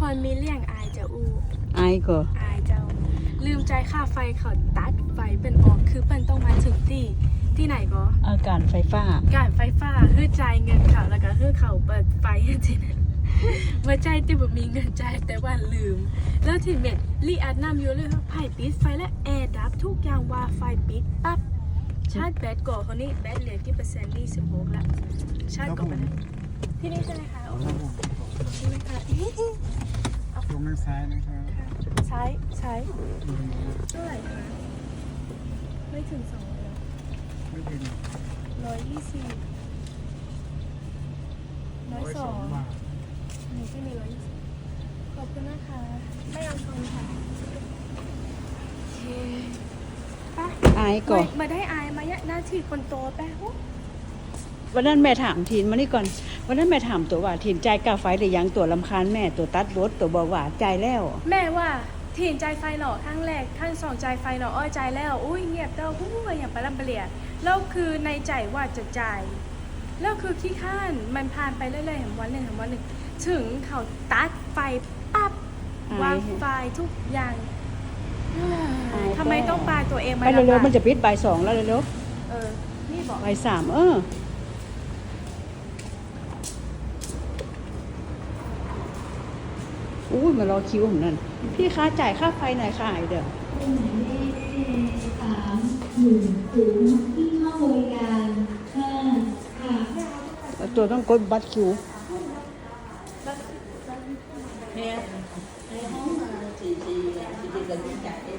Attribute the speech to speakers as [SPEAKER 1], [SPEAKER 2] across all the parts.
[SPEAKER 1] คนมีเลี่ยงอายจะอู้
[SPEAKER 2] อายก็
[SPEAKER 1] อายเจ้าลืมใจค่าไฟเขาตัดไฟเป็นออกคือเป็นต้องมาถึงที่ไหนก็
[SPEAKER 2] อาการไฟฟ้า
[SPEAKER 1] การไฟฟ้าคือจ่ายเงินเขาแล้วก็คือเขาเปิดไฟให้ทีนั้นว่าใจที่แบบมีเงินใจแต่ว่าลืมแล้วทีเม็ดรีอัดน้ำอยู่เลยไผ่ปิดไฟและแอร์ดับทุกอย่างว่าไฟปิดปั๊บชาร์จแบตก่อนเขานี่แบตเหลือกี่เปอร์เซ็นต์นี่16แล้วชาร์จก่อนไปเลยที่นี่ใช่ไหมคะใช่ไหมคะ
[SPEAKER 3] ลงทางซ้ายนะครับ
[SPEAKER 1] ซ้ายเท่าไหร่คะไม่ถึง200
[SPEAKER 3] ไม่ถึง
[SPEAKER 1] 120 102หนูที่มี120ขอบคุณนะคะไม่เอาชนค่ะโอเคป่ะ
[SPEAKER 2] อายก็
[SPEAKER 1] มาได้อายมาหน้าที่คนโตแป๊ะ
[SPEAKER 2] วันนั้นแม่ถามทีนมานี่ก่อนวันนั้นแม่ถามตัวว่าทีนใจกาไฟหรือยังตัวลำคาญแม่ตัวตัดรถตัวบอกว่าใจแล้ว
[SPEAKER 1] แม่ว่าทีนใจไฟหล่อทั้งแรกทั้งสองใจไฟหล่ออ้อยใจแล้วอุ้ยเงียบเต้าหู้อย่างปลาลำเปลี่ยแล้วคือในใจว่าจะใจแล้วคือขี้ข้านมันผ่านไปเรื่อยๆแห่งวันหนึ่งถึงเขาตัดไฟปั๊บวางไฟทุกอย่างทำไมต้องปาตัวเองมา
[SPEAKER 2] ไปเร็วๆมันจะปิดบ่าย2แล้วเร็ว
[SPEAKER 1] นี่บอก
[SPEAKER 2] บ่าย3อุ้ยมารอคิวผมนั่นพี่คะจ่ายค่าไฟหน่อยค่ะเดี๋ยว
[SPEAKER 4] 310ที่เข้าบริการ5ค่ะ
[SPEAKER 2] ตัวต้องกดบัตรคิว
[SPEAKER 4] เนี่ยในห้องมา44กันจ่ายได้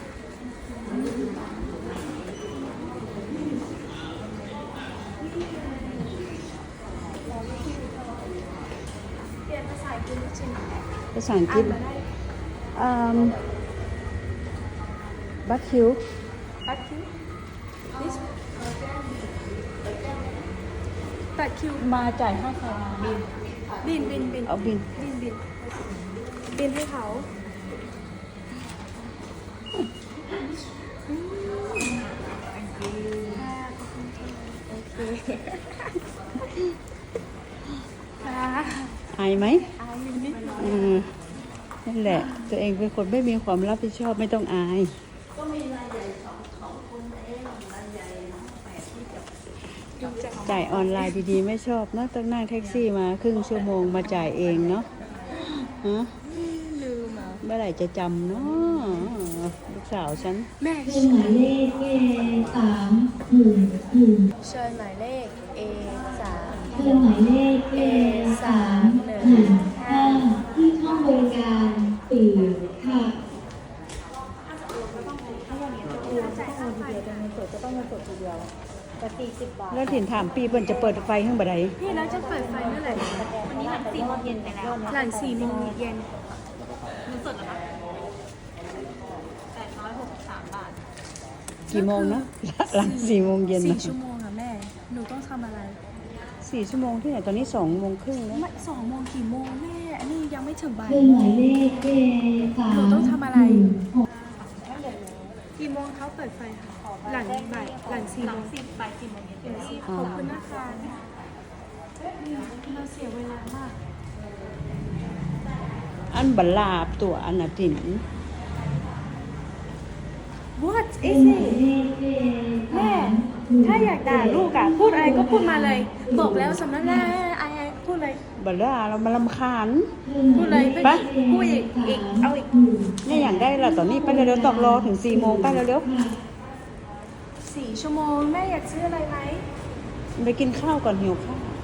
[SPEAKER 1] เปลี่ยนภาษาอังกฤษจริง
[SPEAKER 2] ภาษาอังกฤษบัตรคิว
[SPEAKER 1] บัตรคิว
[SPEAKER 2] มาจ่ายค่าไฟ
[SPEAKER 1] บิน
[SPEAKER 2] เอาบิน
[SPEAKER 1] ให้เขา
[SPEAKER 2] อายไหม
[SPEAKER 1] อายนิด
[SPEAKER 2] นั่นแหละตัวเองเป็นคนไม่มีความรับผิดชอบไม่ต้องอาย
[SPEAKER 4] ก็มีรายใหญ่สองคนเองรายใหญ่8ที่จะ
[SPEAKER 2] จ่ายออนไลน์ดีๆไม่ชอบนะต้องนั่งแท็กซี่มาครึ่งชั่วโมงมาจ่ายเองเนาะฮะ
[SPEAKER 1] ลืมอ่ะ
[SPEAKER 2] เมื่อไหร่จะจำเนาะลูกสาวฉัน
[SPEAKER 1] แม่
[SPEAKER 4] เชิญหมายเลขA311
[SPEAKER 1] เชิญหมายเลข A3
[SPEAKER 4] เชิญหมายเลข A3115ที่ห้องบริการ4ค่ะ
[SPEAKER 2] แล้วถิ่นถามปีเปิ้นจะเปิดไฟข้างบันได
[SPEAKER 1] พี่แล้วจะเปิดไฟเมื่อไหร่วันนี้หลัง4 โมงเย็นไปแล้วหลัง4 โมงเย็นมันสดเหรอคะ863 บาท
[SPEAKER 2] กี่โมงนะหลัง4 โมงเย็น
[SPEAKER 1] 4 ชั่วโมงค่ะแม่หนูต้องทำอะไร
[SPEAKER 2] 4 ชั่วโมงที่ไหนตอนนี้2 โมงครึ่งแล้ว
[SPEAKER 1] ไม่2 โมงกี่โมงแม่อันนี้ยังไม่ถึงบ่าย
[SPEAKER 4] เชิญหมายเลข A3
[SPEAKER 1] หนูต้องทำอะไรกี่โมงเขาเปิดไฟค่ะหลังบ่ายหลัง4 โมงบ่าย4 โมงเย็นขอบคุณนะคะเราเสียเวลามาก
[SPEAKER 2] อันบัลลาบตัวอันน่ะถิ่น
[SPEAKER 1] What is it แม่ถ้าอยากด่าลูกอ่ะพูดอะไรก็พูดมาเลยบอกแล้วสำนักหน้าไอ้พูดเลย
[SPEAKER 2] บัลลาเรามาลำคาญ
[SPEAKER 1] พูดเลยไปพูดอีกเอาอีก
[SPEAKER 2] เนี่ยอย่างได้ละตอนนี้ไปเร็วๆต้องรอถึง4 โมงไปเร็ว
[SPEAKER 1] ๆ4 ชั่วโมงแม่อยากซื้ออะไรไหม
[SPEAKER 2] ไปกินข้าวก่อนหิวข้าว